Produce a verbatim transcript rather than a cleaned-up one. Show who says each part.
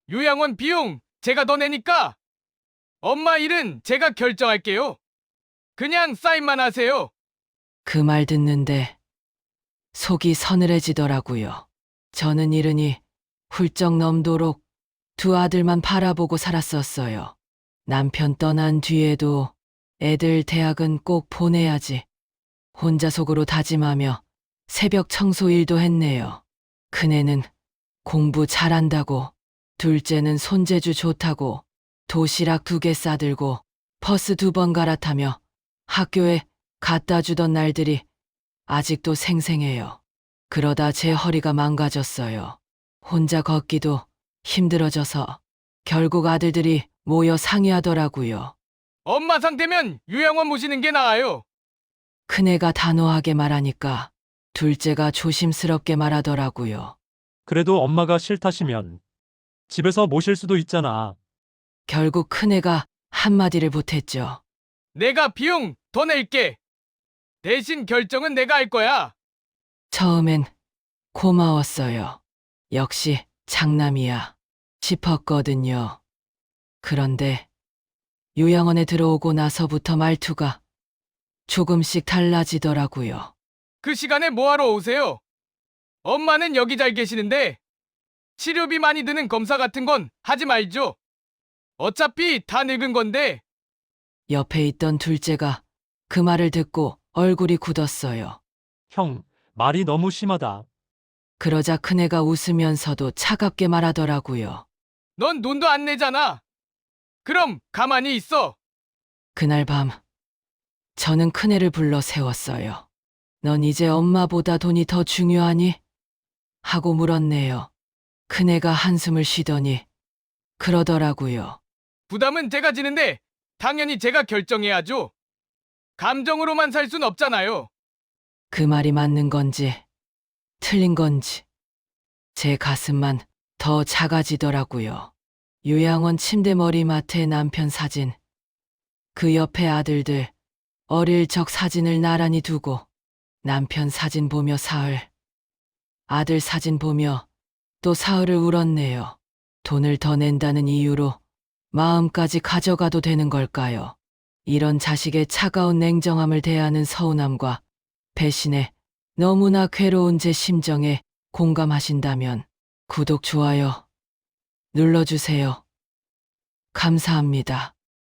Speaker 1: 요양원 비용 제가 더 내니까 엄마 일은 제가 결정할게요. 그냥 사인만 하세요.
Speaker 2: 그 말 듣는데 속이 서늘해지더라고요. 저는 이른이 훌쩍 넘도록 두 아들만 바라보고 살았었어요. 남편 떠난 뒤에도 애들 대학은 꼭 보내야지. 혼자 속으로 다짐하며 새벽 청소 일도 했네요. 큰애는 공부 잘한다고, 둘째는 손재주 좋다고 도시락 두 개 싸들고 버스 두 번 갈아타며 학교에 갖다 주던 날들이 아직도 생생해요. 그러다 제 허리가 망가졌어요. 혼자 걷기도 힘들어져서 결국 아들들이 모여 상의하더라고요.
Speaker 1: 엄마 상태면 요양원 모시는 게 나아요.
Speaker 2: 큰애가 단호하게 말하니까 둘째가 조심스럽게 말하더라고요.
Speaker 3: 그래도 엄마가 싫다시면 집에서 모실 수도 있잖아.
Speaker 2: 결국 큰애가 한마디를 보탰죠.
Speaker 1: 내가 비용 더 낼게. 대신 결정은 내가 할 거야.
Speaker 2: 처음엔 고마웠어요. 역시 장남이야 싶었거든요. 그런데 요양원에 들어오고 나서부터 말투가 조금씩 달라지더라고요.
Speaker 1: 그 시간에 뭐하러 오세요? 엄마는 여기 잘 계시는데 치료비 많이 드는 검사 같은 건 하지 말죠. 어차피 다 늙은 건데.
Speaker 2: 옆에 있던 둘째가 그 말을 듣고 얼굴이 굳었어요.
Speaker 3: 형, 말이 너무 심하다.
Speaker 2: 그러자 큰애가 웃으면서도 차갑게 말하더라고요.
Speaker 1: 넌 돈도 안 내잖아. 그럼 가만히 있어.
Speaker 2: 그날 밤 저는 큰애를 불러 세웠어요. 넌 이제 엄마보다 돈이 더 중요하니? 하고 물었네요. 큰애가 한숨을 쉬더니 그러더라고요.
Speaker 1: 부담은 제가 지는데 당연히 제가 결정해야죠. 감정으로만 살 순 없잖아요.
Speaker 2: 그 말이 맞는 건지 틀린 건지 제 가슴만 더 작아지더라고요. 요양원 침대 머리맡에 남편 사진, 그 옆에 아들들 어릴 적 사진을 나란히 두고 남편 사진 보며 사흘, 아들 사진 보며 또 사흘을 울었네요. 돈을 더 낸다는 이유로 마음까지 가져가도 되는 걸까요? 이런 자식의 차가운 냉정함을 대하는 서운함과 배신에 너무나 괴로운 제 심정에 공감하신다면 구독, 좋아요 눌러주세요. 감사합니다.